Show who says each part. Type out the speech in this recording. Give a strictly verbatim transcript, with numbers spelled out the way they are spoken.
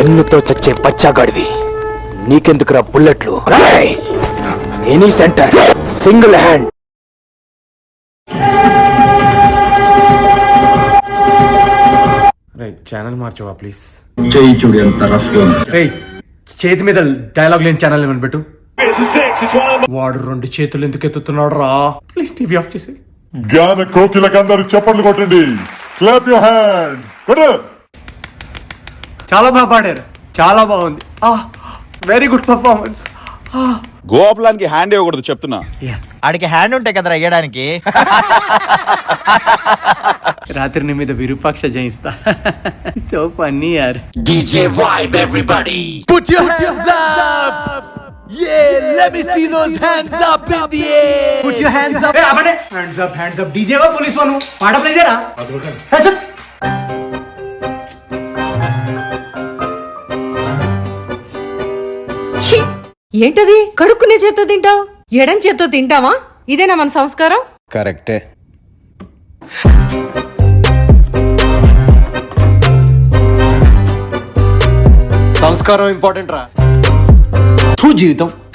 Speaker 1: గన్నుతో చచ్చే పచ్చాగాడివి, నీకెందుకురా బుల్లెట్లు? Any center single hand.
Speaker 2: Channel మార్చవా ప్లీజ్?
Speaker 3: చేయి చూడు ఎంత రఫ్ గా ఉంది.
Speaker 2: రేయ్, చేతి మీద డైలాగ్ లేని ఛానల్ ఏమని పెట్టు. వాడు రెండు చేతులు ఎందుకు ఎత్తుతున్నాడు రా? ప్లీజ్ టీవీ ఆఫ్ చేసి.
Speaker 4: జ్ఞాన కోకిలకందరూ చప్పట్లు కొట్టండి. Clap your hands. కొట్టు.
Speaker 2: చాలా బాగా పాడారు, చాలా బాగుంది. Very good performance.
Speaker 5: గోపాలానికి హ్యాండ్ ఇవ్వకూడదు చెప్తున్నా.
Speaker 6: ఆడికి హ్యాండ్ ఉంటాయి కదరా వేయడానికి.
Speaker 2: రాత్రి నీ మీద విరూపాక్ష జయిస్తా. సో ఫన్నీ యార్.
Speaker 6: DJ vibe everybody put your hands up. Yeah, let me see those hands up in the air. Put your hands up.
Speaker 2: Hey, abane hands up, hands up. DJ వా police van పాట play చేయరా? హే చల్.
Speaker 7: ఛీ, ఏంటది? కడుక్కునే చేత్తో తింటావు, ఎడం చేత్తో తింటావా? ఇదేనా మన సంస్కారం?
Speaker 6: కరెక్టే.
Speaker 2: సంస్కారం ఇంపార్టెంట్ రా.
Speaker 6: జీవితం